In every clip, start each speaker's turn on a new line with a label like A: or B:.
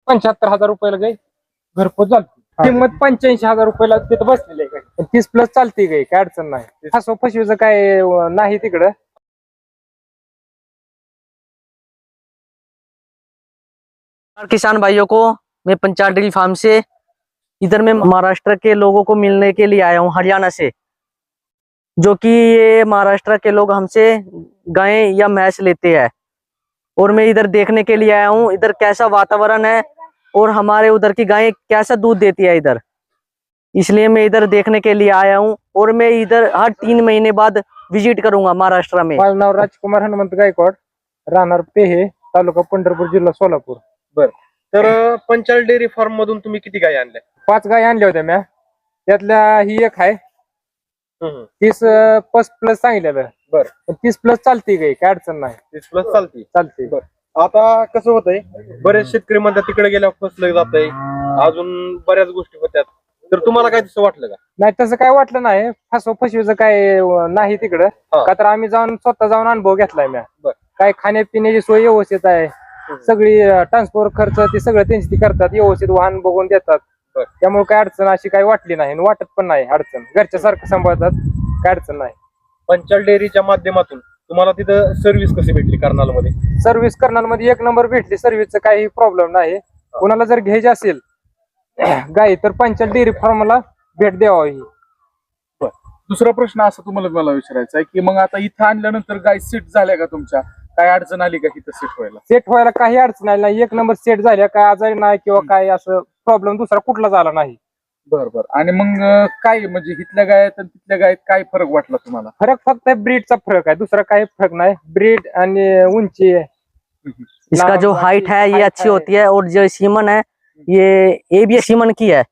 A: 75,000 रुपयाला गाय घरपोच चालते. किंमत 85,000 रुपयाला तिथं बसलेली आहे गाय. 30+ चालते गाय, काय अडचण नाही. फसव फसवीचं काय नाही तिकडं.
B: किसान भाइयों को मैं पंचायत डेयरी फार्म से इधर मैं महाराष्ट्र के लोगों को मिलने के लिए आया हूँ, हरियाणा से, जो कि ये महाराष्ट्र के लोग हमसे गाय या भैंस लेते हैं और मैं इधर देखने के लिए आया हूँ इधर कैसा वातावरण है और हमारे उधर की गाय कैसा दूध देती है इधर, इसलिए मैं इधर देखने के लिए आया हूँ और मैं इधर हर 3 महीने बाद विजिट करूंगा महाराष्ट्र में.
A: माझं नाव राजकुमार हनुमंत गायकवाड, राहणार पेहे, तालुका पंढरपूर, जिल्हा सोलापूर.
C: बर, तर पंचायत डेअरी फार्म मधून तुम्ही किती गाय आणल्या?
A: 5 गाय आणल्या होत्या म्या. त्यातल्या ही एक आहे 30+ सांगितलेलं.
C: बर,
A: 30+ चालते गाय, काय अडचण नाही.
C: 30+ चालती.
A: चालते.
C: बर, आता कसं होतंय, बरेच शेतकरी म्हणतात तिकडे गेल्यावर फसलं जातंय, अजून बऱ्याच गोष्टी होत्यात, तर तुम्हाला काय तसं वाटलं का?
A: नाही, तसं काय वाटलं नाही. फसव फसवीचं काय नाही तिकडं. का तर आम्ही स्वतः जाऊन अनुभव घेतलाय म्या. काय खाण्यापिण्याची सोय व्यवस्थित आहे, सगळी ट्रान्सपोर्ट खर्च ते सगळं त्यांची ती करतात, व्यवस्थित वाहन बघून देतात. त्यामुळे काय अडचण अशी काही वाटली नाही आणि वाटत पण नाही अडचण. घरच्या सारखं सांभाळतात, काय अडचण नाही.
C: पंचायत डेअरीच्या माध्यमातून तुम्हाला तिथं सर्व्हिस कशी भेटली कर्नाल मध्ये?
A: सर्व्हिस कर्नालमध्ये 1 नंबर भेटली. सर्व्हिसचा काही प्रॉब्लेम नाही. कोणाला जर घ्यायची असेल गाय तर पंचायत डेअरी फार्मला भेट द्यावी.
D: दुसरा प्रश्न असा तुम्हाला मला विचारायचा आहे की मग आता इथं आणल्यानंतर गाय सेट झाल्या का तुमच्या? काय अडचण आली का इथं सेट व्हायला?
A: सेट व्हायला काही अडचण आली नाही. 1 नंबर सेट झाल्या, काय आजारी नाही किंवा काय असं प्रॉब्लेम दुसरा कुठलाच आला नाही.
D: बरोबर. आणि मग काय म्हणजे इथल्या गायत आणि तिथल्या गायत काय फरक वाटला तुम्हाला?
A: फरक फक्त ब्रीडचा फरक आहे, दुसरा काही फरक नाही. ब्रीड आणि उंची,
B: इसका जो हाइट है ये अच्छी होती है और जो सीमन है ये भी सीमन की है.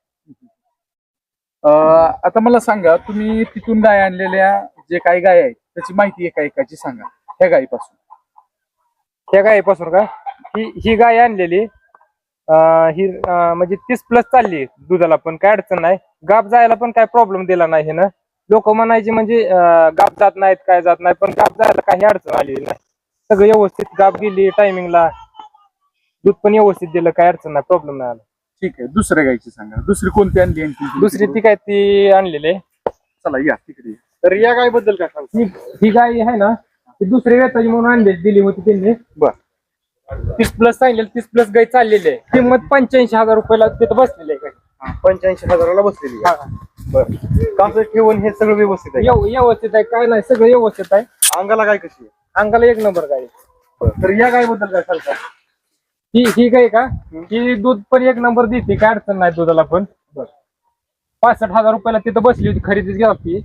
D: आता मला सांगा, तुम्ही तिथून गाय आणलेल्या जे काही गाय आहेत त्याची माहिती एका एकाची सांगा. ह्या गायीपासून
A: त्या गायीपासून का, ही गाय आणलेली ही म्हणजे 30+ चालली दुधाला, पण काय अडचण नाही. गाप जायला पण काय प्रॉब्लेम दिला नाही ना. लोक म्हणायचे म्हणजे गाप जात नाहीत, काय जात नाही, पण गाप जायला काही अडचण आलेली नाही. सगळं व्यवस्थित गाप गेली टायमिंगला, दूध पण व्यवस्थित दिलं, काय अडचण नाही, प्रॉब्लेम नाही आला.
D: ठीक आहे. दुसऱ्या गायची सांगा. दुसरी कोणती आणली?
A: दुसरी ती काय ती आणलेली.
D: चला या तिकडे.
C: तर या गाय बद्दल काय सांगता?
A: ही गाय आहे ना, ती दुसरी वेताची म्हणून आणली, दिली होती त्यांनी.
D: बर,
A: 30+ सांगितलेलं. 30+ गाय चाललेली आहे. किंमत 85,000 रुपयाला तिथं बसलेली आहे गाय.
C: 85,000ला बसलेली आहे. बर, कासं ठेवून हे सगळं व्यवस्थित आहे?
A: व्यवस्थित आहे, काय नाही, सगळं व्यवस्थित आहे.
C: अंगाला गाय कशी आहे?
A: अंगाला 1 नंबर गाय.
C: तर या गाय बद्दल काय सांगता?
A: ही गाय का, ही दूध पण 1 नंबर देते, काय अडचण नाही दुधाला पण. 65,000 रुपयाला तिथं बसली होती, खरेदी गेला ती.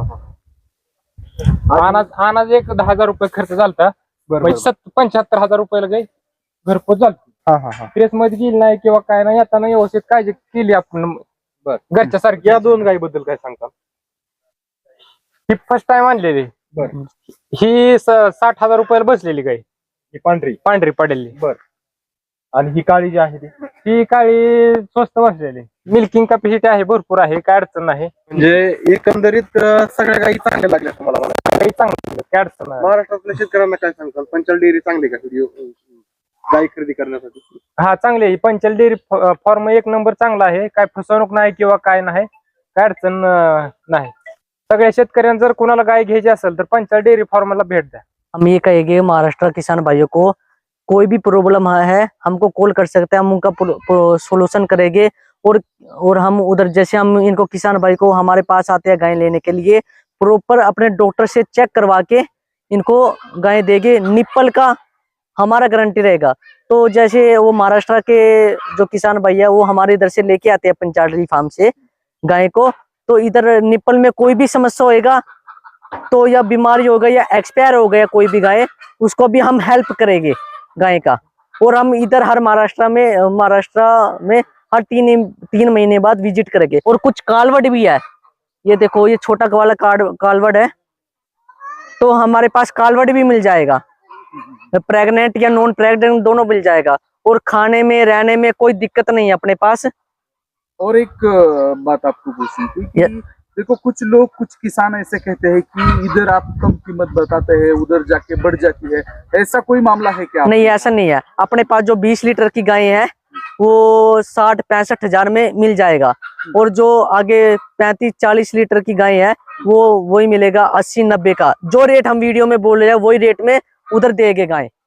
A: अनाज 10,000 रुपये खर्च झालता. म्हणजे 75,000 रुपयाला गाय घरपोच झालती. प्रेस मध्ये गेली नाही किंवा काय नाही, येताना व्यवस्थित काळजी केली आपण घरच्या सारखी.
C: या 2 गायी बद्दल काय सांगता?
A: ही फर्स्ट टाइम आणलेली. ही 60,000 रुपयाला बसलेली गाय,
C: ही
A: पांढरी पडलेली.
C: बर, आणि ही काळी जी आहे
A: ही काळी स्वस्त बसलेली. मिल्किंग कॅपॅसिटी आहे, भरपूर आहे, काय अडचण नाही.
C: म्हणजे एकंदरीत सगळ्या गायी चांगल्या लागल्या तुम्हाला?
A: काही चांगलं, काय अडचण नाही.
C: महाराष्ट्रातल्या शेतकऱ्यांना काय सांगताल? पंचायत डेअरी चांगली का गाय खरेदी करण्यासाठी?
A: हा, चांगली आहे. पंचायत डेअरी फॉर्म 1 नंबर चांगला आहे, काय फसवणूक नाही किंवा काय नाही, काय अडचण नाही. सगळ्या शेतकऱ्यांना जर कोणाला गाय घ्यायची असेल तर पंचायत डेअरी फार्मला भेट द्या.
B: हम ये कहेंगे महाराष्ट्र किसान भाइयों को, कोई भी प्रॉब्लम है हमको कॉल कर सकते हैं, हम उनका सोल्यूशन करेंगे और हम उधर जैसे हम इनको किसान भाई को हमारे पास आते हैं गाय लेने के लिए, प्रॉपर अपने डॉक्टर से चेक करवा के इनको गाय देंगे. निप्पल का हमारा गारंटी रहेगा. तो जैसे वो महाराष्ट्र के जो किसान भाई है वो हमारे इधर से लेके आते हैं पंचायत डेयरी फार्म से गाय को, तो इधर निप्पल में कोई भी समस्या होएगा तो या बीमारी हो गई या एक्सपायर हो गया कोई भी गाय, उसको भी हम हेल्प करेंगे गाय का. और हम इधर हर महाराष्ट्र में हर 3 महीने बाद विजिट करेंगे. और कुछ कालवड भी है, ये देखो ये छोटा वाला कालवड है, तो हमारे पास कालवड भी मिल जाएगा, प्रेग्नेंट या नॉन प्रेग्नेंट दोनों मिल जाएगा. और खाने में रहने में कोई दिक्कत नहीं है अपने पास.
D: और एक बात आपको पूछनी थी कि देखो, कुछ किसान ऐसे कहते हैं कि इधर आप कम कीमत बताते हैं, उधर जाके बढ़ जाती है, ऐसा कोई मामला है क्या?
B: नहीं, ऐसा नहीं है. अपने पास जो 20 लीटर की गाय है वो 60-65 हजार में मिल जाएगा। और जो आगे 35-40 लीटर की गाय है वो वही मिलेगा 80-90 का। जो रेट हम वीडियो में बोल रहे हैं वही रेट में उधर देंगे गाय।